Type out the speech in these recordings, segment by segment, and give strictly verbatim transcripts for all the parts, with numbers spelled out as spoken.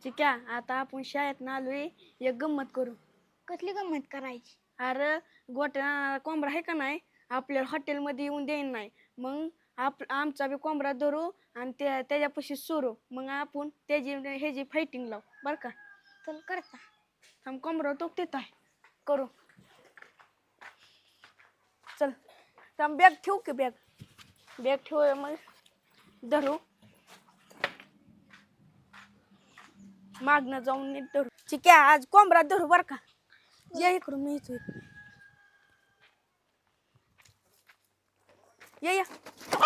चिक्या आता आपण शाळेत ना आलोय एक गंमत करू. कसली गंमत करायची? अरे गोट्या कोंबडा आहे का नाही आपल्याला हॉटेलमध्ये येऊन देईन नाही मग आप आमचा बी कोंबडा धरू आणि त्या त्याच्यापाशी सोरू मग आपण त्याची ह्याची फायटिंग लावू बरं का. चल करता. थांब कोंबडा तो देत आहे करू. चल थांब बॅग ठेवू की बॅग बॅग ठेव मग धरू मागणं जाऊन नीट धरू. चिक्या आज कोंबडा धरू बरं का. ये इकडून मी इथं ये या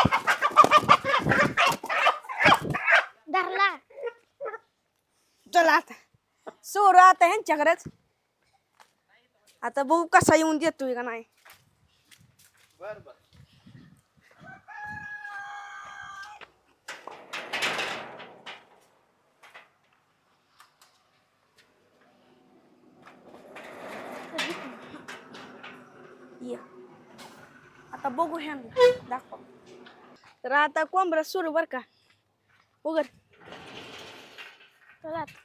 धरला. चला आता सोरू आता ह्यांच्याकडेच आता बघू कसा येऊन देतोय का नाही. बर बर ये आता बघू ह्यांना दाखव. तर आता कोंबडा सुरू बर का उघड. चला आता.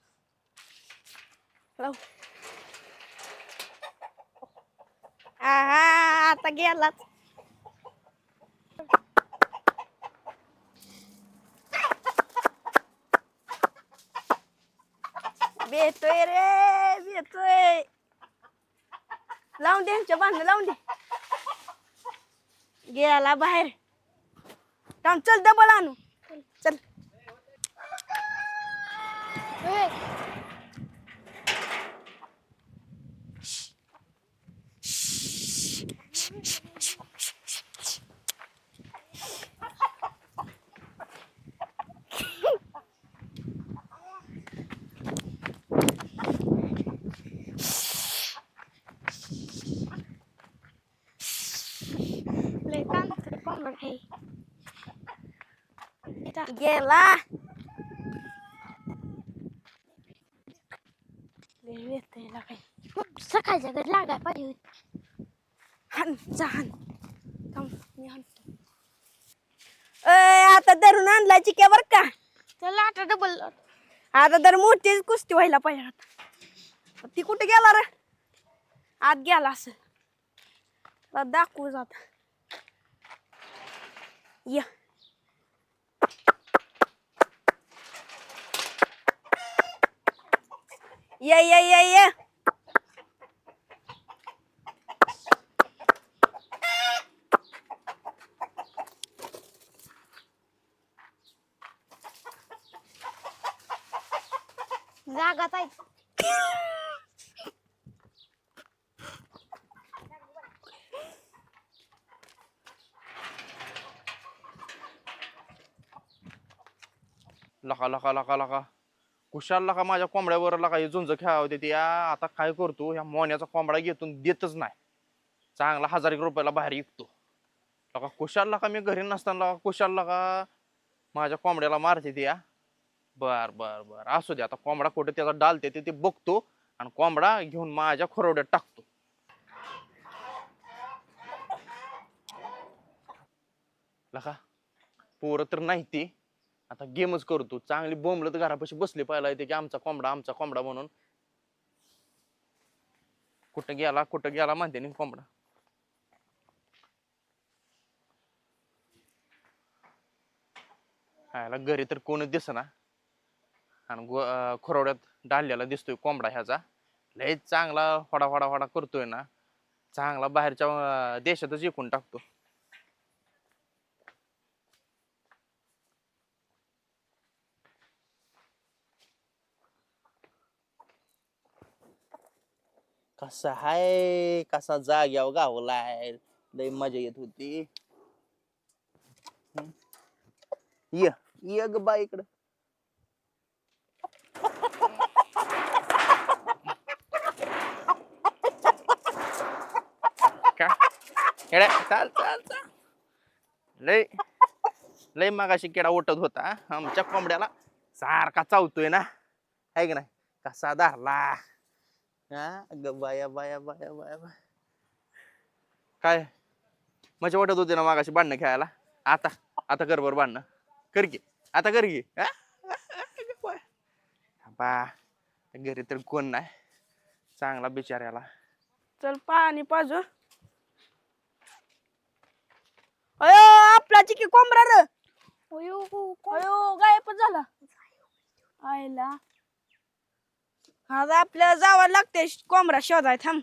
लाव. आहा आता गेलाच. बेतोय रे बेतोय. लावून दे ह्यांच्या बांधणं लावून दे. गेला बाहेर. थांब चल डबल आणू चल. ए, लय तांदूळ कोंबड आहे. इथं गेला. लय बेतोय ला काय. खूप सकाळच्या घरी लागाय पाहिजे होती. हान जा हान. थांब मी हाणतो. ए आता धरून आणला चिक्या बर का. चला आता डबल. आता तर मोठीच कुस्ती व्हायला पाहिजे आता. ती कुठे गेला रे आत गेला असं. आता दाखवू जात या. ये ये ये ये जागाच आहे. लका लका लका लका कुशाल लका माझ्या कोंबड्यावर लका हे झुंज खेळावं देते या. आता काय करतो ह्या मोन्याचा कोंबडा घेतून देतच नाही. चांगला हजार एक रुपयाला बाहेर विकतो. लका कुशाल लका मी घरी नसताना लका कुशाल लका माझ्या कोंबड्याला मारते ती या. बर बर बर असू दे आता कोंबडा कुठे त्याचा डालते ते ते बघतो आणि कोंबडा घेऊन माझ्या खोरवड्यात टाकतो. लका पोरं तर नाही ती आता गेमच करतो. चांगली बोंबलत घरापाशी बसली पाहिला येते की आमचा कोंबडा आमचा कोंबडा म्हणून. कुठं गेला कुठं गेला म्हणते नि कोंबडा. ह्याला घरी तर कोणच दिसना आणि खोरवड्यात डाललेला दिसतोय कोंबडा ह्याचा. लय चांगला होडा होडा होडा करतोय ना. चांगला बाहेरच्या अं, देशातच विकून टाकतो. कसा हाय कसा जाग्यावर गावलाय. लय मजा येत होती. हम्म. ये ये ग बाई इकडं. का येड्या, चाल चाल चाल. लय लय मगाशी किडा उठत होता आमच्या कोंबड्याला सारखा चावतोय ना आहे की नाही. कसा धरला हा ग बाया बाया बाया बाया बाया. काय मजा वाटत होती ना मागाशी भांडणं खेळायला. आता आता कर बरं भांडणं कर की आता कर की. बाबा घरी तर कोण नाही चांगला बिचाऱ्याला. चल पाणी पाजू. अयो आपला चिकी कोंबडा र. अयो, अयो गायबच झाला. आयला आता आपल्याला जावं लागते कोंबडा शोधाय. थांब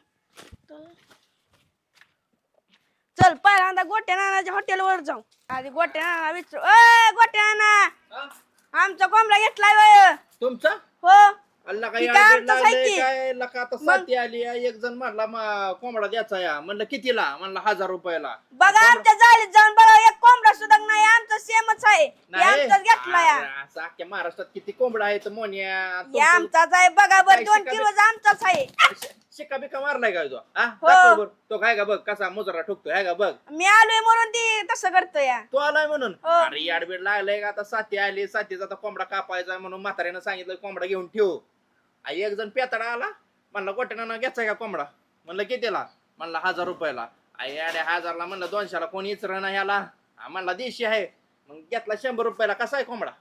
चल पहिल्यांदा गोट्या नानाच्या हॉटेलवर जाऊ. आधी गोट्या नाना विचारू. अय गोट्या नाना आमचा कोंबडा घेतलाय वय. तुमचा हो अल्ला ती काय आमचाच आहे की. काय लका आता साथी आली एक जण म्हणला मा- कोंबडा द्यायचा या म्हणलं कितीला म्हणला हजार रुपयाला. बघा आमच्या जाळीत जाऊन बघा एक कोंबडा सुद्धा नाही आमचा सेमच आहे. हे आमचाच घेतलाय. अरे, असं अख्ख्या महाराष्ट्रात किती कोंबडा आहेत मोन्या. हे आमचाच आहे बघा बर काय दोन शिकावे? किलोचा आमचाच आहे. शिक्का बिक्का मारलाय काय तो हा हो. दाखव बरं. तो काय का बघ कसा मुजरा ठोकतोय हाय का बघ. मी आलोय म्हणून ती तसं करतोय. तो आलाय म्हणून हो. अरे याडबीड लागलाय का आता साथी आली साथीचा आता कोंबडा कापायचा म्हणून म्हाताऱ्यानं सांगितलं कोंबडा घेऊन ठेव. आई एक जण पेताडा आला म्हणला गोट्यानं घ्यायचा का कोंबडा म्हणलं कितीला म्हणला हजार रुपयाला. आई अडे हजारला म्हणलं दोनशेला कोणी इचर ना ह्याला हा, म्हणला देशी आहे मग घेतला शंभर रुपयाला. कसा आहे कोंबडा.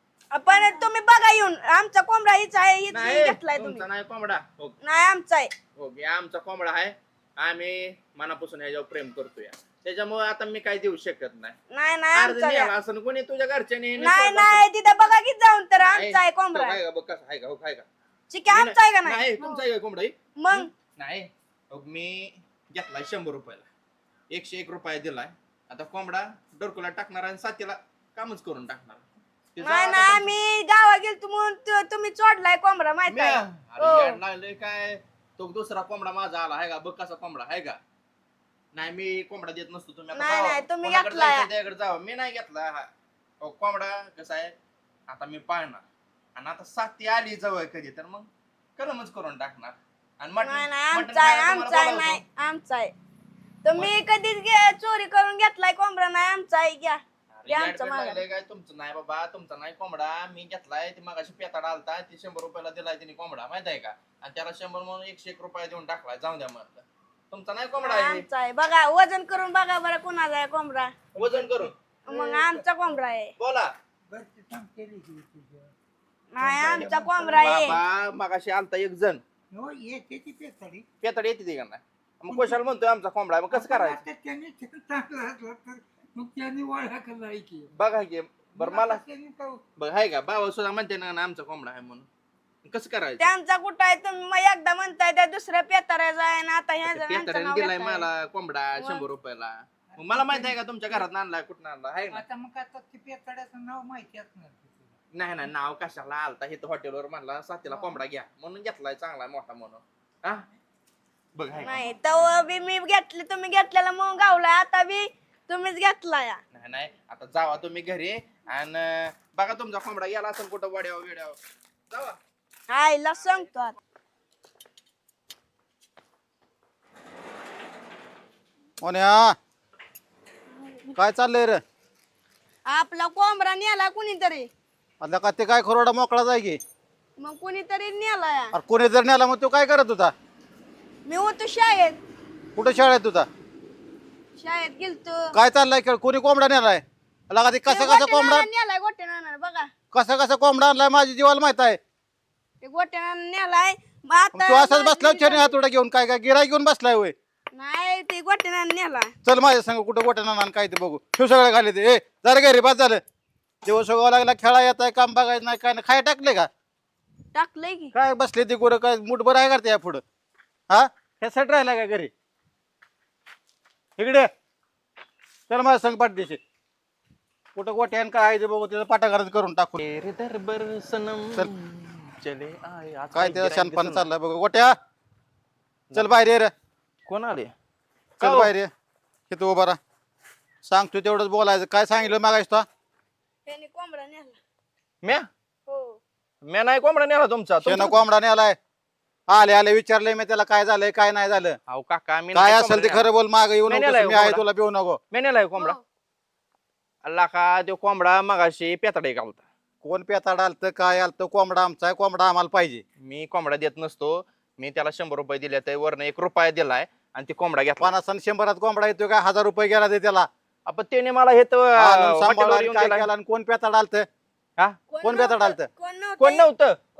पण तुम्ही बघा येऊन आमचा कोंबडा हीच आहे हीच नाही घेतलाय तुमचा तुम्ही. नाही कोंबडा. हो नाही आमचा आहे. हो घे आमचा कोंबडा आहे. आम्ही मनापासून ह्याच्यावर प्रेम करतोय त्याच्यामुळे आता मी काय देऊ शकत नाही. नाही नाही अर्ज आमचा नेला आहे. असं कोणी तुझ्या घरच्याने नाही नाही तिथं बघा की जाऊन तर आमचा आहे कोंबडा. काय का बघ कसं आहे का हो काय का चिकी आमचा आहे का नाही. नाही तुमचा आहे का कोंबडा ही? मग नाही हो, मी घेतलाय शंभर रुपयाला एकशे एक रुपया दिलाय. आता कोंबडा डोरकुला टाकणार आणि साथीला कामच करून टाकणार. ते नाही जाऊ नाही आता आम्ही गावा गेलतो म्हणून तु- तुम्ही चोडलाय कोंबडा माहित म्या. आहे. अरे हो. याड लागलंय काय तो दुसरा कोंबडा माझा आला आहे का बघ कसा कोंबडा आहे का. नाही मी कोंबडा देत नसतो. तुम्ही आता नाही, जावा. नाही, तुम्ही कोणाकडे घेतलाय. जायचं त्याकडे जावा. मी नाही घेतला हा. हो, कोंबडा कसा आहे आता मी पाळणार आणि आता साथी आली जवळ कधी तर मग कलमच करून टाकणार. आणि मटण- नाही नाही मटण आमचा आहे खायला आमचा तुम्हाला आहे बोलावतो. नाही आमचा आहे. तुम्ही कधीच गे- चोरी करून घेतलाय कोंबडा नाही आमचा आहे. घ्या अरे ते आमचं याड बीड मागं. लागलंय काय तुमचं नाही बाबा तुमचा नाही कोंबडा मी घेतलाय. ती मगाशी पेताडा आलता ती शंभर रुपयाला दिलाय तिने कोंबडा माहित आहे का आणि त्याला शंभर म्हणून एकशे एक रुपया देऊन टाकलाय. जाऊ द्या म्हणलं तुमचा नाही कोंबडा नाही, आहे. आमचा आहे बघा वजन करून बघा बरं कुणाचा आहे कोंबडा. वजन करून मग आमचा कोंबडा आहे. बोला नाही आमचा कोंबडा आहे. बाबा मगाशी आलता एक जण पेताड येते ती का नाही मग कशाला म्हणतोय आमचा कोंबडा आहे. मग कसं करायचं बघा की बरं मला बघ आहे का बाबा सुद्धा म्हणते ना ना आमचा कोंबडा आहे म्हणून कसं करायचं. त्यांचा कुठं आहे तुम्ही मग एकदा म्हणताय त्या दुसऱ्या पेताऱ्याचा आहे ना आता ह्याचं- ह्यांचं पेताड्याने नाव दिलाय घेताय. मला कोंबडा मग? शंभर रुपयाला. मग मला माहित आहे का तुमच्या घरात आणलाय कुठं आणला आहे ना. आता मग आता ते पेताड्याचं नाव माहिती असणार की तुला. नाही नाही नाव कशाला आलता हे हॉटेलवर म्हणला साथीला कोंबडा घ्या म्हणून घेतलाय चांगला मोठा म्हणून हा बघ आहे का? नाही तर बी मी घेतली तुम्ही घेतलेला मग गावलाय आता बी तुम्हीच घेतलाय. नाही नाही आता जावा तुम्ही घरी आणि बघा तुमचा कोंबडा गेला असेल कुठं वड्यावर बिड्यावर जावा. आईला सांगतो आता. मोन्या काय चाललंय रे. आपला कोंबडा नेला कुणीतरी आता का ते काय खरोडा मोकळा जाय की. मग कुणीतरी नेलाय. अरे कोणी जर नेला मग तो काय करत होता. मी होतो शाळेत कुठं शाळेत होता. शाळेत गेलतो. काय चाललाय खेळ कोणी कोंबडा नेलाय. लगा ते कसा कसा कोंबडा नेलाय गोट्या नाना बघा कसा कसा कोंबडा आणलाय माझ्या जीवाला माहित आहे. ते गोट्या नाना नेलाय. मग मग तू आता असाच बसला छेने हातोडा घेऊन काय काय गिराय घेऊन बसलाय होय. नाही ते गोट्या नाना नेलाय. चल माझ्या संग कुठं गोट्या नाना काय ते बघू शिव सगळं खाली ते ए जरा घरी बस झालं. दिवस उगावा लागला खेळा येत आहे काम बघायचं नाही काय नाही खाय टाकले का टाकलंय की काय बसले ते गोरं काय मुठभर आहे करते या पुढं हा ह्यासाठी राहिला का घरी इकडे चल माझ्या संग पाठदेशी कुठं गोट्यान काय आहे ते बघू त्याचं पाठागारच करून टाकू. तेरे दरबार सनम चल. चले आए. आज काय काय त्याचा गिऱ्हाईक शानपणा दिसेना. चाललाय बघ गोट्या चल बाहेर ये रे कोण आले चल हो? बाहेर ये इथं उभा राहा सांगतो तेवढंच बोलायचं काय सांगितलं मागायचं तो त्याने कोंबडा नेला. म्या हो म्या नाही कोंबडा नेला तुमचा शेण तुमचा- कोंबडा नेलाय आले आले विचारलंय मी त्याला काय झालंय काय नाही झालं अहो काका मी काय नाही असेल ते कोंबडा खरं बोल माग येऊ नाही नको नेलाय मी आहे कोंबडा. तुला भिवू नको. नेला. म्या नेलाय कोंबडा हो. अल्ला का तो कोंबडा मगाशी पेताडे गावता. कोण पेताड आलत काय आलत कोंबडा आमचा आहे कोंबडा आम्हाला पाहिजे. मी कोंबडा देत नसतो. मी त्याला शंभर रुपये दिले तर वरनं एक रुपया दिलाय आणि ते कोंबडा घेतला. पन्नास आणि शंभरात कोंबडा येतो काय हजार रुपये गेला ते त्याला आपण त्याने मला हे तर आणून हॉटेलवर सांभाळून येऊन काय दिलाय. केलं आणि कोण पेताड आलत हा? कोण बेताड आलतं? कोण नव्हतं? कोण नव्हतं हो.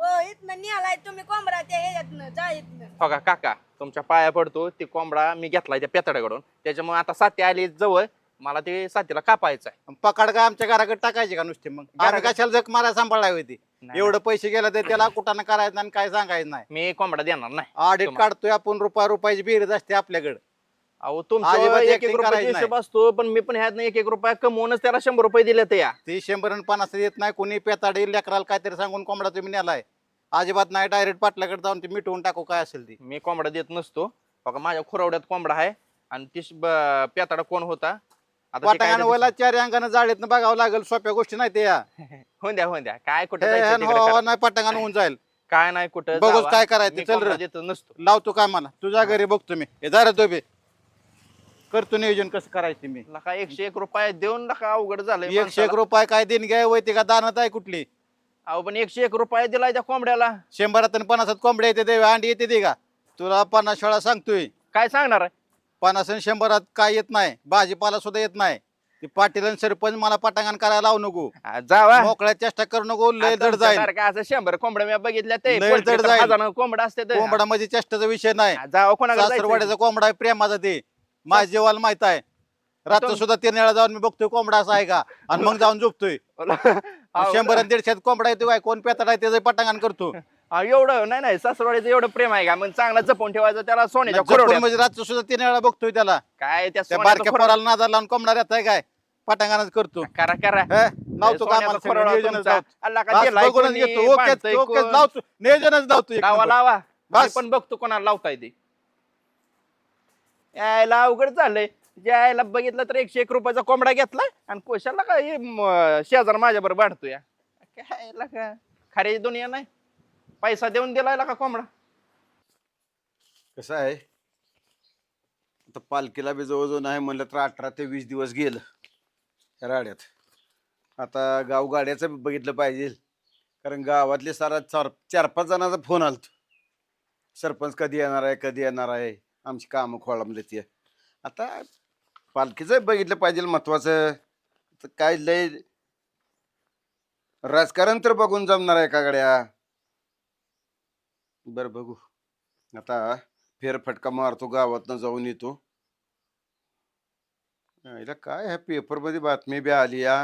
अहो इथनं निघालाय तुम्ही कोंबडा त्या ह्याच्यातनं जा इथनं. हो का काका तुमच्या पाया पडतो ते कोंबडा मी घेतलाय त्या पेताड्याकडून त्याच्यामुळे आता साथी आली जवळ मला ते साथीला कापायचं आहे. पकड का आमच्या घराकडे टाकायचे का नुसते मग आम्ही घराकडे- कशाला जग मारा सांभाळावी होती नाही, एवढं पैसे गेलं तर त्याला कुठानं करायचं नाही आणि काय सांगायचं नाही. मी कोंबडा देणार नाही. ऑडिट तुम्हा- काढतोय आपण रुपया रुपयाची बेरीज असते आपल्याकडे. अहो तुमचं अजिबात एक एक acting रुपयाचा करायचं हिशोब असतो पण मी पण ह्यात एक एक रुपया कमवूनच त्याला शंभर रुपये दिले तर या ती शंभर आणि पन्नास येत नाही कोणी पेताडी लेकराला काहीतरी सांगून कोंबडा तुम्ही नेलाय. अजिबात नाही डायरेक्ट पाटलाकडे जाऊन ते मिटवून टाकू काय असेल ती. मी कोंबडा देत नसतो बघा माझ्या खुरावड्यात कोंबडा आहे आणि ती श- ब- पेताडा कोण होता आता ते काय वाटाण्यानं त्याचं- वला चार अंगानं जाळीतनं बघावं लागेल सोप्या गोष्टी नाही ते या होऊन द्या होऊन द्या काय कुठं हे जायचं ह्यानं तिकडे हवा करा. नाही पटांगानं होऊन जाईल. काय नाही कुठं बघूच जावा. काय करायचं, मी चल रे. कोंबडा देत नसतो. लावतो काय मला तुझ्या घरी बघतो मी हे जरा तो बे करतो नियोजन कसं करायचं मी. लका एकशे एक रुपये देऊन लका अवघड झालंय एकशे एक माणसाला. रुपये काय देणगी घ्याय वैते का दानत आहे कुठली. अहो पण एकशे एक रुपये दिलाय त्या कोंबड्याला शंभरात आणि पन्नासात कोंबड्या येते ते अंडी येते ते का तुला पन्नास वेळा सांगतोय. काय सांगणार आहे पन्नास आणि शंभरात काय येत नाही भाजीपाला सुद्धा येत नाही. ते पाटील आणि सरपंच मला पटांगण करायला लावू नको. हा, जावा मोकळ्या चेष्टा करू नको लय आता जड जाईल. तुमच्यासारखं असं शंभर कोंबड्या मी बघितल्या ते लय पोल्ट्री जड तर जाईल. हजारानं कोंबडा असते ते. कोंबडा म्हणजे चेष्टाचा विषय नाही. हा, जावा कोणाकडे जायचं? सासरवाड्याचा कोंबडा आहे प्रेमाचा ते माझ्या जीवाला माहित आहे. रात्र तुम- सुद्धा तीन वेळा जाऊन मी बघतोय कोंबडा असा आहे का आणि मग जाऊन झोपतोय. अहो, शंभर आणि दीडशेत कोंबडा येतो काय कोण पेताड आहे त्याचं पटांगण करतो. अहो, एवढं नाही नाही सासरवाडीचं एवढं प्रेम आहे का मग चांगला जपून ठेवायचं त्याला सोन्याच्या जपून खुरावड्यात. म्हणजे रात्र सुद्धा तीन वेळा बघतोय त्याला. काय त्या त्या सोन्याचं बारक्या खुरावड्यात- पोराला नादाला लावून कोंबडा येत आहे काय पटांगणच करतो. करा करा हे, लावतो का सोन्याचा आम्हाला सगळं खुरावडा नियोजनच तुमचा. लावतो. अल्ला का बस दिलाय बघूनच कोणी, घेतो ओकेच बांधतंय ओकेच कोण? लावतो नियोजनच लावतो एक लावा नंबर. लावा बस. मी पण बघतो कोणाला लावताय ते यायला अवघड झालंय यायला बघितलं तर एकशे एक रुपयाचा कोंबडा घेतला आणि कोशाला का हे म- शेजार माझ्या बरोबर भांडतोय काय ला का खरी दुनिया नाही पैसा देऊन दिलाय का कोंबडा. कसं आहे आता पालखीला बी जवळजवळ नाही म्हणलं तर अठरा ते वीस दिवस गेलं ह्या राड्यात. आता गाव गाड्याचं बी बघितलं पाहिजे कारण गावातले सारा चार चार पाच जणांचा फोन आलतो. सरपंच कधी येणार आहे कधी येणार आहे आमची कामं खोळंबली ती. आता पालखीचं बघितलं पाहिजे महत्वाचं. तर काय लय राजकारण तर बघून जमणार आहे का गड्या. बरं बघू आता फेरफटका मारतो गावातनं जाऊन येतो. याला काय ह्या पेपर मध्ये बातमी बी आली या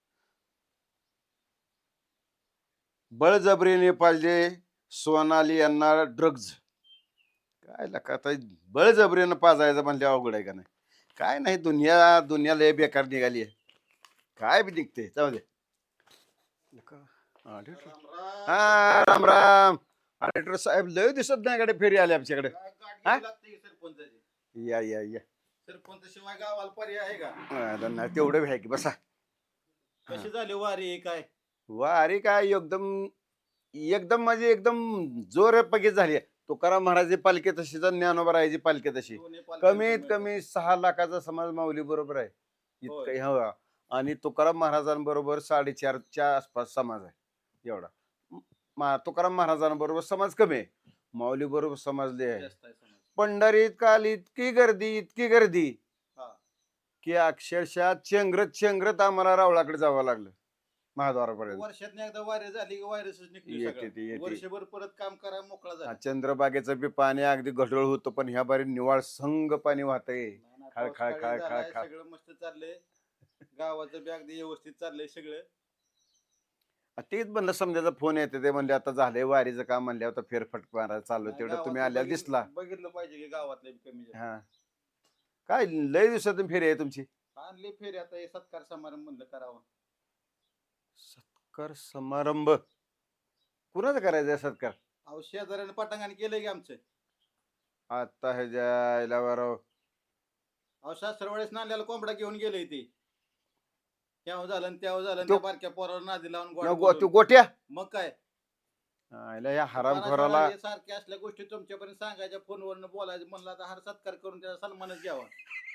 बळजबरीने पाहिजे सोनाली यांना ड्रग्ज. काय लका आता बळजबरीनं पाजायचं म्हणले अवघड आहे का नाही. काय नाही दुनिया दुनिया लय बेकार निघाली आहे. काय बी निघते जाऊ दे. लका, ऑडिटर. हा राम राम ऑडिटर साहेब लय दिसत नाही कडे फेरी आले आमच्याकडे. हा? या या या सरपंच शिवाय गावाला पर्याय आहे का. आ, नाही तेवढं आहे की बसा. कशी झाली वारी काय. वा अरे काय एकदम एकदम म्हणजे एकदम जोर पगीत झाली आहे. तुकाराम महाराज पालखी तशी तर ज्ञानोबा राहायची पालखी तशी कमीत कमी सहा लाखाचा समाज माऊली बरोबर आहे इतकं हवा. आणि तुकाराम महाराजांबरोबर साडेचारच्या आसपास समाज आहे एवढा. मा- तुकाराम महाराजांबरोबर समाज कमी आहे माऊली बरोबर समाज लय आहे. पंढरीत काल इतकी गर्दी इतकी गर्दी हा. की अक्षरशः चेंगरत चेंगरत आम्हाला रावळाकडे जावं लागलं महाद्वारापर्यंत. वर्षात एकदा वारी झाली की व्हायरसच निघतो येते सगळा. ती, येते. वर्षभर परत काम करा मोकळा झाला. हा, चंद्रबागेचं बी पाणी अगदी गढूळ होतं पण ह्या बारी निवाळ संग पाणी वाहतंय. खळ, खळ, खळ, खळ, खळ. सगळं मस्त चाललंय गावाचं बी अगदी व्यवस्थित चाललंय सगळं. आ, तेच म्हणलं समजायचा फोन येते ते म्हणले आता झालंय वारीचं काम म्हणले आता फेरफटक मारायला चालू नाही, तेवढं तुम्ही गावातलं आल्या बघितलं- दिसला. बघितलं पाहिजे की गावातले बी कमी जास्त. हा काय लय दिवसातून फेरी आहे तुमची. आणले फेरी आता हे सत्कार समारंभ म्हणलं करावं. सत्कार समारंभ कुणाचा करायचा सत्कार. अहो शेजाऱ्यानं पटांगण केलंय की आमचं. आता ह्याच्या बरोबर अहो सासरवाडीस नांद्याला कोंबडा घेऊन गेले ते. त्याव झालं आणि त्याव झालं आणि तो- त्या बारक्या पोरावर नादी लावून गोड तू बोलून. गोट्या मग काय आयला या हरामखोराला हे सारख्या असल्या गोष्टी तुमच्यापर्यंत सांगायच्या फोनवरनं बोलायचं म्हणलं आता हार सत्कार करून त्याचा सन्मानच घ्यावा.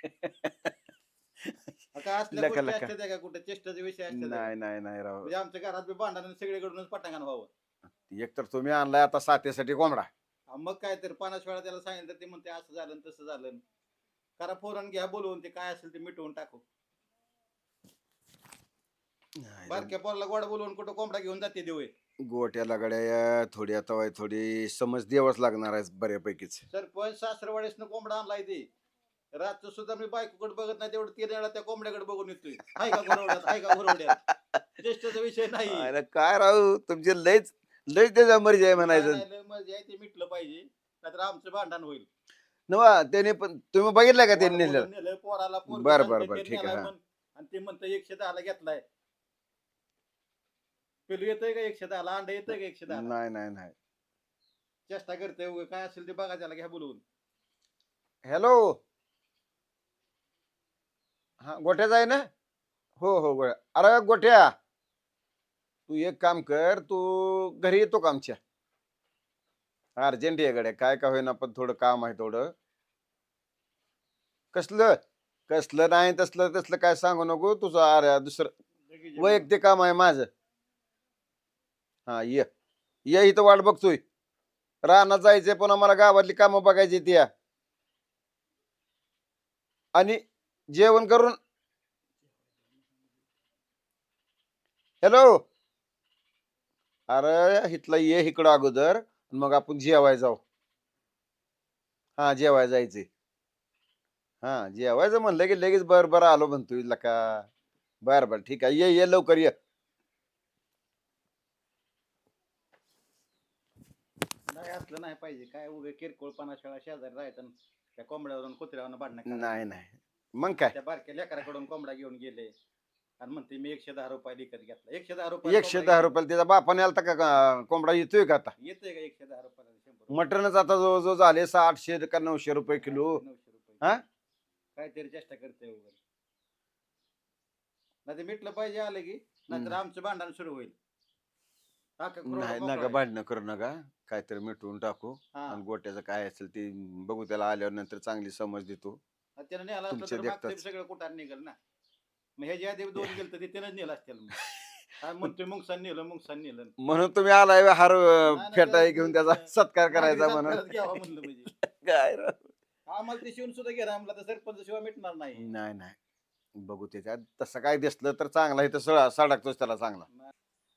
आता असल्या लका, गोष्टी लका. असतात का कुठे चेष्टाचे विषय असतात का? नाही नाही नाही राव. म्हणजे आमच्या घरात बी भांडण सगळीकडूनच पटांगण व्हावं. एक तर तुम्ही आणलाय आता साथीसाठी कोंबडा. हा, मग काय तर पन्नास वेळा त्याला सांगितलं तर ते म्हणते असं झालं आणि तसं झालं. करा फोरन घ्या बोलवून ते काय असेल ते मिटवून टाकू. बारक्या पोराला गोड बोलवून कुठं कोंबडा घेऊन जाते देऊ. गोट्याला गड्या थोडी आता वाय थोडी समज द्यावाच लागणार आहे बऱ्यापैकीच. सरपंच सासरवाडीसनं कोंबडा आणलाय ते रातचं सुद्धा मी बायकोकडे बघत नाही तेवढं तीन वेळा त्या कोंबड्याकडे बघून येतोय. हाय का घोरवड्यात हाय का घोरवड्यात चेष्टाचा विषय नाही. अरे काय राहू तुमचे लयच लयच त्याच्या मर्जी आहे म्हणायचं. काय नाही, मजा आहे, ते मिटलं पाहिजे नाहीतर आमचं भांडण होईल. नवा त्याने पण तुम्ही बघितलं का त्यांनी पोराला नेलं? नेलं, पोराला पोरगं बरं, सांगतंय, बरं, बरं, ते ठीक आहे, नेलाय हा. म्हण. आणि ते म्हणतं एकशे दहाला घेतलाय. पेलू येतंय का एकशे दहाला अंडा येतंय का एकशे दहाला नाही नाही नाही. चेष्टा करतोय उगा, काय असेल ते बघा त्याला घ्या बोलवून. हॅलो हा गोट्याचा आहे ना? हो हो गोट्या. अरे गोट्या तू एक काम कर, तू घरी येतो का आमच्या? अर्जंट आहे गड्या, काय का होईना पण थोडं काम आहे थोडं. कसलं कसलं नाही तसलं तसलं काय सांगू नको तुझं. अरे दुसरं वैयक्तिक काम आहे माझं. हा ये ये इथं वाट बघतोय. रानात जायचंय पुन्हा मला गावातली कामं बघायची ती. आणि जेवण करून हॅलो अरे इथला ये इकडं अगोदर मग आपण जेवाय जाऊ. हा जेवाय जायचे. हा जेवायचं म्हणलं की लगेच बर बर आलो म्हणतोय लका. बर बर ठीक आहे ये ये लवकर ये. नाही असलं नाही पाहिजे. काय उगे किरकोळपणा शाळा शेजारी राहायचं आणि त्या कोंबड्यावरून कुत्र्यावरून भांडणं करायचं. नाही नाही मग काय त्या बारक्या लेकराकडून कोंबडा घेऊन गेले आणि म्हणते मी एकशे दहा रुपये विकत घेतला. एकशे दहा रुपये एकशे दहा रुपयाला त्याचा बापाने आलता का का कोंबडा येतोय का आता? येतोय का एकशे दहा रुपयाला शंभर रुपये? मटनच आता जवळजवळ झाले सातशे का नऊशे रुपये किलो. नऊशे रुपये. हा? काहीतरी चेष्टा करते वगैरे. नाही ते मिटलं पाहिजे आलं की नाहीतर आमचं भांडण सुरू होईल. टाका खुराडा नाही मोकळा नका आहे. भांडणं करू नका. काहीतरी मिटवून टाकू हा. आणि गोट्याचं काय असेल ते बघू. त्याला आल्यावर नंतर चांगली समज देतो. आणि त्यानं नेला असलं तुमच्या तर मागचं देखताच. सगळं कुठार निघेल ना. मग ह्याच्या आधी दोन गेलं तर ते त्यानंच नेलं असतील. मग काय म्हणतोय मुंगसान नेलं मुंगसान नेलं. म्हणून तुम्ही आलाय हार नाही, फेटाई नाही, घेऊन नाही, त्याचा सत्कार करायचा नागरिक म्हणून. सत्कारच घ्यावा म्हणलं म्हणजे. काय राव. आम्हाला ते शिवून सुद्धा घ्या आम्हाला तर सरपंच शिवाय मिटणार नाही. नाही नाही बघू त्याच्यात तसं काय दिसलं तर चांगला इथं सळा सडकतोच त्याला चांगला.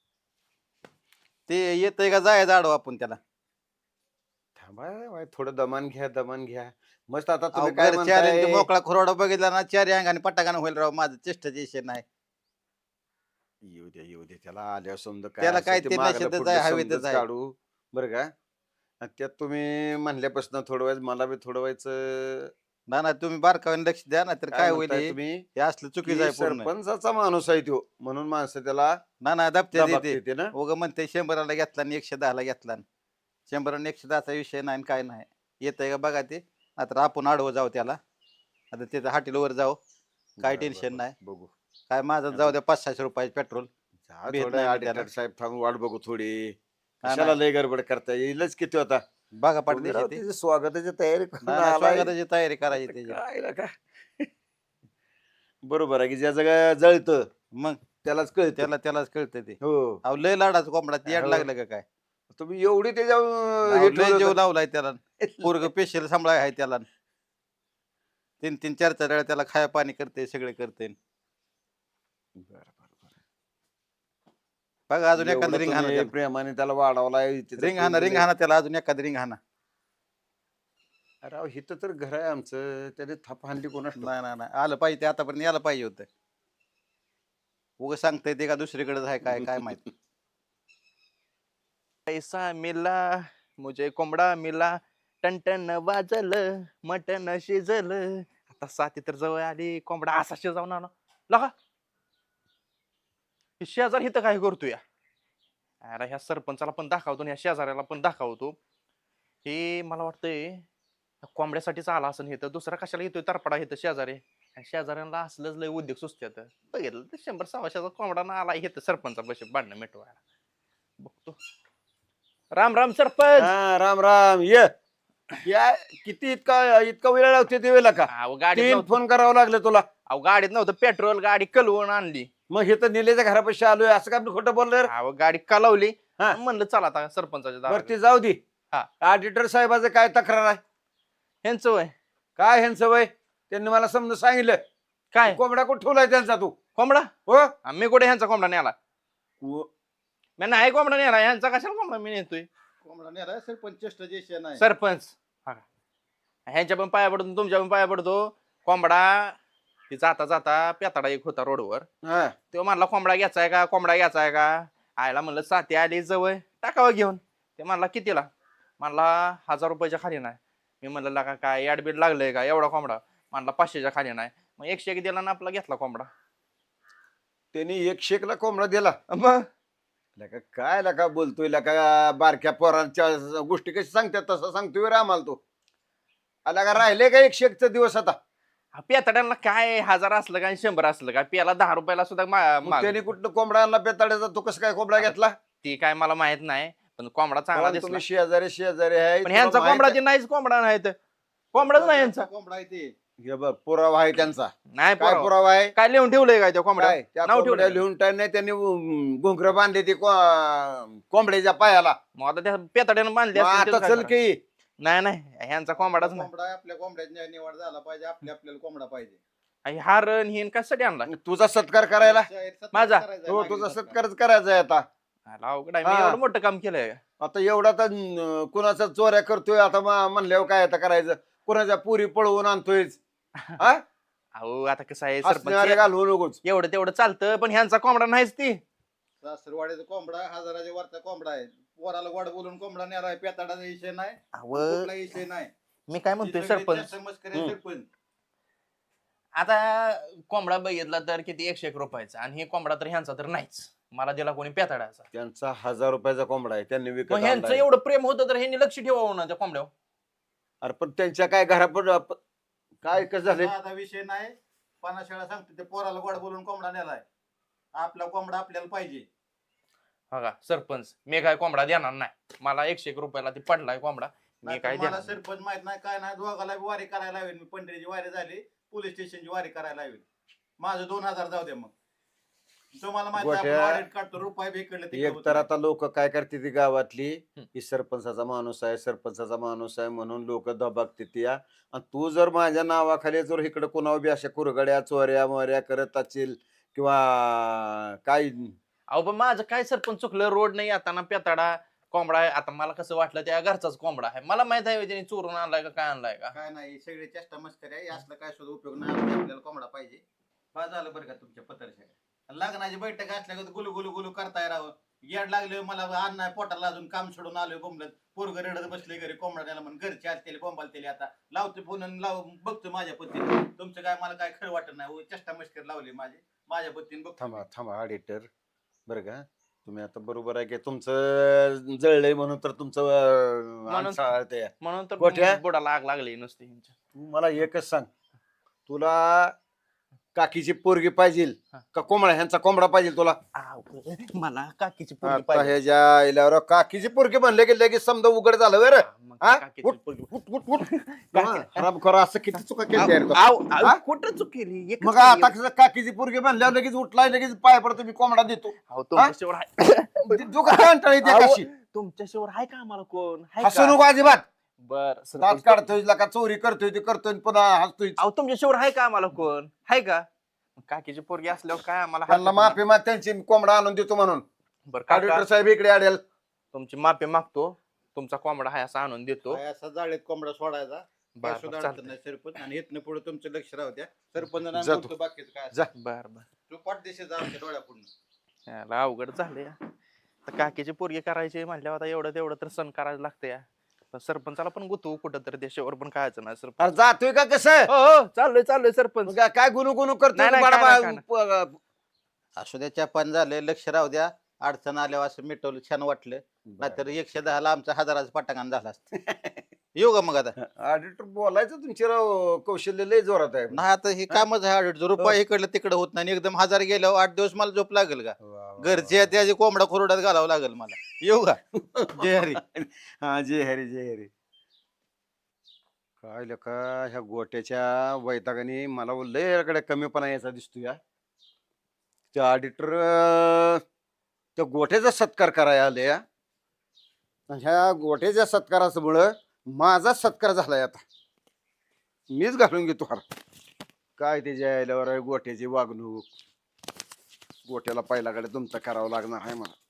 ते येतंय का जायचं आडव आपण त्याला. थांबा बाई, थोडं दमान घ्या दमान घ्या. मस्त आता अहो, तुम्ही काय घर चार इंच म्हणताय? मोकळा खुराडा बघितला ना चार अंगाने पटाकाने होईल राव. माझं चेष्टाचे विषय नाही. येऊ द्या येऊ द्या त्याला आल्यावर समजा त्याला असेल काय ते ते मागलं नशेतच पुढलं आहे, हवेतच समजच आहे. काढू बरं का. आणि त्यात तुम्ही म्हणल्यापासून थोडं व्हायचं मला बी थोडं व्हायचं. ना ना तुम्ही बारकाव्याने लक्ष द्या ना तर काय होईल म्हणताय हे? तुम्ही हे असलं चुकीचं आहे की पूर्ण. सरपंचाचा माणूस आहे तो म्हणून माणसं त्याला ना ना दबते दबाब देते. देते ना. उगं म्हणते शंभराला घेतला आणि एकशे दहाला घेतला. शंभर आणि एकशे दहाचा विषय नाही आणि काय नाही. येतंय का बघा ते. आता आपण आडवं जाऊ त्याला. आता तिथं हाटीलवर जाऊ. काय बरं, टेन्शन बरं, नाही. बघू. काय माझं जाऊ द्या पाच सहाशे रुपयाचे पेट्रोल. जा भेट थोडं नाही मी ऑडिटर त्याला. साहेब थांबून वाट बघू थोडी. हा, कशाला नाही. लय गडबड करता येईलच किती होता. बघा तुम्ही राव पाठवते त्याची स्वागताची तयारी करून आलाय. स्वागताची तयारी करायची त्याची. काय ना काय बरोबर आहे की ज्या जगा जळतं मग त्यालाच कळतं. त्याला त्यालाच कळतं ते. हो अहो लय लाडाचा कोंबडा ते याड हो. लागलं का काय. तुम्ही एवढी त्याच्या अहो, हे लय ठेवलं जीव होतं. लावलाय त्याला. पोरग पेशल सांभाळ आहे त्याला. तीन तीन चार चार वेळा त्याला खाया पाणी करते सगळे करते. बरं, बरं, बरं. बघा अजून एवढं एखादं रिंग हाना तुम्ही त्याला. प्रेमाने त्याला वाढवलाय. त्याचं रिंग हाना रिंग तुम्ही- हाना त्याला अजून एखादं रिंग हाना. अरे अहो, इथं तर घर आहे आमचं. त्याने थाप हाणली कोणाच ठाऊक. नाही नाही नाही आलं पाहिजे ते आतापर्यंत यायला पाहिजे होतं. उगं सांगताय ते का दुसरीकडेच आहे काय काय माहित. पैसा मिला मुझे कोंबडा मिला टन वाजल मटन शिजल. आता साथी तर जवळ आली कोंबडा असा शिजवणार ना लगा. हे शेजार इथं काय करतो या. अरे ह्या सरपंचाला पण दाखवतो आणि ह्या शेजाऱ्याला पण दाखवतो. हे मला वाटतंय ह्या कोंबड्यासाठीच आला असं हे तर दुसरा कशाला येतोय तरपडा इथं शेजारी. आणि शेजाऱ्यांना असलंच लय उद्योग सुचत्यात. बघितलं तर शंभर सव्वाशेचा कोंबडा ना आला इथं सरपंचा बशी भांडणं मिटवायला. बघतो. राम राम सरपंच. हा राम राम ये या किती इतका इतका वेळ लावते ते वेळेला का. अहो गाडीत तीन नव्हतं- फोन करावं लागलं तुला. अहो गाडीत नव्हतं पेट्रोल गाडी कलवून आणली. मग हे तर निलेच्या घरापाशी आलोय असं काय मी खोटं बोललं रे? अहो गाडी कलवली. हा. म्हणलं चला आता सरपंचाच्या दारात. बरं ती जाऊ दे. हा. ऑडिटर साहेबाचं काय तक्रार आहे? ह्यांचं वय काय ह्यांचं वय? त्यांनी मला समजून सांगितलं. काय कोंबडा कुठं ठेवलाय त्यांचा तू? कोंबडा. हो आ, मी कुठे ह्यांचा कोंबडा न्याला. उ- मी नाही कोंबडा नेला ह्यांचा कशाला कोंबडा मी नेतोय कोंबडा नेला सरपंच चेष्टा जे नाही सरपंच हा. ह्यांच्या पण पाया पडतो तुमच्या पण पाया पडतो कोंबडा ती जाता जाता पेताडा एक होता रोडवर हा. तो म्हणला कोंबडा घ्यायचाय का कोंबडा घ्यायचाय का आयला म्हणलं साथी आली जवळ टाकावं घेऊन ते म्हणला कितीला म्हणला हजार रुपयाच्या खाली नाही मी म्हणलं लका काय ऍडमिट लागलंय का एवढा कोंबडा म्हणला पाचशेच्या खाली नाही मग एकशे एक दिला ना आपला घेतला कोंबडा त्यांनी एक शेकला कोंबडा दिला मग लका काय लका बोलतोय लका बारक्या पोरांच्या गोष्टी कशी सांगतात तसं सांगतोय रे आम्हाला तो आला का राहिले का एक शेकचा दिवस आता पेताड्यांना काय हजार असलं का आणि शंभर असलं का पेला दहा रुपयाला सुद्धा मा- मग माग- त्यांनी कुठलं कोंबडा आणला पेताड्याचा तो कसं काय कोंबडा घेतला ती काय मला माहित नाही पण कोंबडा चांगला पण दिसला तुम्ही शेजारी शेजारी आहे पण ह्यांचा तुला माहित कोंबडा आहे. ते नाहीच कोंबडा नाही तर कोंबडाच नाही यांचा कोंबडा आहे ते हे बघ पुरावा आहे त्यांचा नाही काय पुरावा. पुरावा आहे काय लिहून ठेवलंय काय त्या कोंबड्या काय त्या नाव कोंबड्या ठेवलंय. लिहून टाक नाही त्यांनी घोंगर बांधले ते को- कोंबड्याच्या पायाला मग आता त्या पेताड्यानं बांधले मग असतील आता त्याचं चल काय की करायचं? नाही नाही ह्यांचा कोंबडाच नाही कोंबडा आहे, आपल्या कोंबड्याची निवड झाला पाहिजे आपल्या आपल्याला कोंबडा पाहिजे आणि हा रण हिन कशासाठी आणला तुझा सत्कार करायला जाहीर सत्कार माझा? करायचा आहे, हो मागील तुझा सत्कार. सत्कारच करायचा आहे आता आला अवघड आहे. मी हा. एवढं मोठं काम केलंय का? आता एवढा तर अं, कुणाचा चोऱ्या करतोय आता मा- म्हणल्यावर काय आता करायचं कुणाच्या पुरी पळवून आणतोय हा अहो आता कसं आहे असणारे सरपंच घालवू नकोच एवढं तेवढं चालतं पण ह्यांचा कोंबडा नाहीच ती सासरवाडीचा कोंबडा हजाराच्या वरचा कोंबडा आहे पोराला गोड बोलून कोंबडा नेला आहे पेताडाचा विषय नाही अहो, कुठला विषय नाही मी काय म्हणतोय ही सगळी सरपंच जास्त मस्करी आहे, हम्म. सरपंच आता कोंबडा बघितला तर किती एकशे एक रुपयाचा आणि हे कोंबडा तर ह्यांचा तर नाहीच मला दिला कोणी पेताडाचा त्यांचा हजार रुपयाचा कोंबडा आहे त्यांनी विकत मग ह्यांचं आणलाय. एवढं प्रेम होतं तर ह्यांनी लक्ष ठेवावं ना त्या कोंबड्यावर अरे पण त्यांच्या काय घरापड काय कसं झालं आता विषय नाही पन्नास वेळा सांगतो ते पोराला गोड बोलून कोंबडा नेलाय आपला कोंबडा आपल्याला पाहिजे बघा सरपंच मी काय कोंबडा देणार नाही मला एकशे एक रुपयाला ते पडलाय कोंबडा मी नाहीतर काय मला देणार नाही. सरपंच माहित नाही काय नाही दोघाला बी वारी करायला लावेल मी पंढरीची वारी झाली पोलीस स्टेशनची वारी करायला लावेल माझं दोन हजार जाऊ दे मग तुम्हाला माहिती आहे, आपण गोट्या- ऑडिट काढतो रुपये बी इकडले तिकडे एक होत तर नाही. आता लोक काय करते ती गावातली हम्म. की सरपंचाचा माणूस आहे सरपंचाचा माणूस आहे म्हणून लोक दबागते ती या. आणि तू जर माझ्या नावाखाली जर इकडे कोणावर बी अशा कुरगड्या चोऱ्या मोऱ्या करत असतील किंवा काय अहो पण माझं काय सरपंच चुकलं रोड नाही आता ना पेताडा कोंबडा आहे आता मला कसं वाटलं त्या घरचाच कोंबडा आहे मला माहित आहे त्याने चोरून आणलाय का काय आणलाय का काय नाही सगळे चेष्टा मस्करी आहे असलं काय सुद्धा उपयोग नाही आपल्या- आपल्याला कोंबडा पाहिजे बस झालं बरं का तुमच्या पत्रशा लग्नाची बैठक असल्या का गुलू गुलू गुलू करताय राव येड लागले मला अन्न पोटाला अजून काम सोडून आलोय बोंबलत पोरग रडत बसले घरी कोंबडा द्यायला म्हणून घरचे असतील बोंबाल आता लावते फोन आणि लाव बघतो माझ्या पत्नीने तुमचं काय मला काय खरं वाटत नाही हो, चेष्टा मस्करी लावली माझी माझ्या पत्नीने बघतो थांबा थांबा ऑडिटर बरं का तुम्ही आता बरोबर आहे की तुमचं जळलंय म्हणून तर तुमचं अं, म्हणून- अंगठा आळतंय. म्हणून तर गोट्या? बुडाला आग लागली नुसती ह्यांच्या. तू मला एकच सांग तुला काकीची पोरगी पाहिजे हा. का कोंबडा ह्यांचा कोंबडा पाहिजे तुला आव, मला काकीची पोरगी आता पाहिजे. ह्याच्या आईल्यावर काकीची पोरगी म्हणले की लगेच समजा उघड झालं बरं हा, मग हा? काकीची उठ, पोरगी. उठ, उठ, उठ. हराम खोरा असं किती चुका केली आव, आव, आव, हा? कुठं चूक केली एकच मग केली. आता कसं काकीची पोरगी म्हणल्यावर लगेच उठलाय लगेच पाय पडतो मी कोंबडा देतो अहो, तुमच्याशिवाय आहे तू काय कंटाळी आव, कशी तुमच्याशिवाय आहे का आम्हाला कोण आहे हसू का? नको अजिबात बर दात सरपंच. काढतोय का चोरी करतोय ते करतोय आणि पुन्हा हसतोय अहो तुमच्याशिवाय आहे का आम्हाला कोण आहे का काकीची पोरगी असल्यावर काय आम्हाला त्यांना हात- माफी माग त्यांची कोंबडा आणून देतो म्हणून बरं काका, ऑडिटर साहेब इकडे आडेल तुमची माफी मागतो तुमचा कोंबडा आहे असा आणून देतो काय असा जाळीत कोंबडा सोडायचा बर काय सुद्धा बर अडचण नाही सरपंच आणि इथनं पुढे तुमचं लक्ष राहू द्या सरपंच जा तू. बाकीचं काय जा. बर बर तू पाठ दिशेचा आमच्या डोळ्यापुढून याला अवघड झाले तर काकीची पोरगी करायची म्हटल्यावर आता एवढं तेवढं तर सण करायला लागतं या पण सरपंचाला पण गुतू कुठं तर देशावर पण खायचं नाही सरपंच अरे जातोय का कसं हो हो चाललोय चाललोय सरपंच मग काय गुणू गुणू करतोय नाही, नाही, बाळा काय नाही, बाळा, प- असू द्या चपान झाले लक्ष राहू द्या अडचण आल्यावर असं मिटवलं छान वाटलं नाहीतर एकशे दहाला आमचा हजाराचं पटांगण झाला असतं येऊ का मग आता ऑडिटर बोलायचं तुमचे राव कौशल्य लय जोरात आहे नाही आता हे कामच आहे ऑडिट रुपये इकडलं तिकडं होत नाही आणि एकदम हजार गेल्यावर आठ दिवस मला झोप लागेल का वा, वा, घरचे आहेत त्याची कोंबडा खोरड्यात घालावं लागेल मला येऊ का जय हरी हा जय हरी जय हरी काय लका ह्या गोट्याच्या वैतागाने मला लयकडे कमीपणा यायचा दिसतो या त्या ऑडिटर त्या गोट्याचा सत्कार करायला आले या ह्या गोट्याच्या सत्कारामुळं माझा सत्कार झालाय आता मीच घालून घेतो हार काय त्याच्या यायल्यावर आहे गोट्याची वागणूक गोट्याला पहिल्याकडे तुमचं करावं लागणार आहे मला